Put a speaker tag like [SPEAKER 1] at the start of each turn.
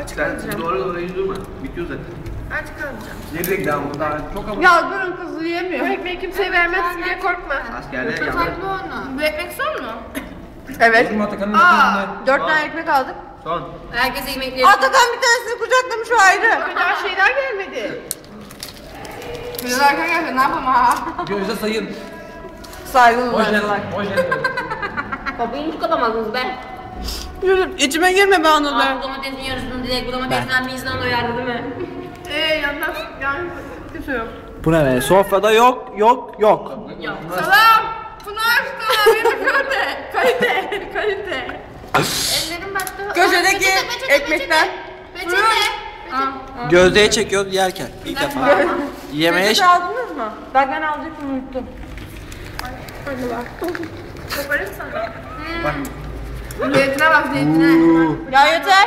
[SPEAKER 1] Aç kalacağım.
[SPEAKER 2] Doğru hiç durma. Bitiyor zaten.
[SPEAKER 1] Aç kalacağım.
[SPEAKER 2] Nereye daha bu daha çok ama.
[SPEAKER 3] Ya durun kızı yemiyor.
[SPEAKER 1] Bu ekmeği kimseye vermezsin diye korkma.
[SPEAKER 2] Askerler yandı.
[SPEAKER 4] Saklı onu.
[SPEAKER 1] Bu ekmek son mu?
[SPEAKER 3] Evet.
[SPEAKER 2] Durma Atakan'ın
[SPEAKER 1] Aa.
[SPEAKER 2] arkasında.
[SPEAKER 3] 4 tane ekmek aldık.
[SPEAKER 2] Son.
[SPEAKER 4] Herkes yemekleri.
[SPEAKER 3] Atakan bir tanesini kucaklamış o ayrı.
[SPEAKER 1] Daha şeyler gelmedi.
[SPEAKER 4] Biraz arka gelse ne yapalım ha?
[SPEAKER 2] Gözde sayın.
[SPEAKER 3] Saygılı
[SPEAKER 2] Hoş geldin.
[SPEAKER 3] olsunlar.
[SPEAKER 2] Hoş geldin.
[SPEAKER 4] Kapıyı hiç kapamazdınız be.
[SPEAKER 3] Yürü içime girme be Anıl be.
[SPEAKER 4] Bu domatesin yarısını direkt bu domatesten bir insan doyardı değil mi?
[SPEAKER 1] Yandan yani kimse yok.
[SPEAKER 5] Bu ne be? Sofrada yok.
[SPEAKER 1] Salam. Pınar sana benim kalite. Kalite.
[SPEAKER 4] Ellerim battı.
[SPEAKER 3] Köşedeki ekmekler.
[SPEAKER 4] Peçete.
[SPEAKER 5] Gözde'ye çekiyoruz yerken. İlk defa. Yemeğe
[SPEAKER 3] Peçete aldınız mı? Bak ben alacaktım unuttum.
[SPEAKER 1] Koparayım sana.
[SPEAKER 2] Bak.
[SPEAKER 4] Zeytine bak zeytine.
[SPEAKER 3] Ya yeter.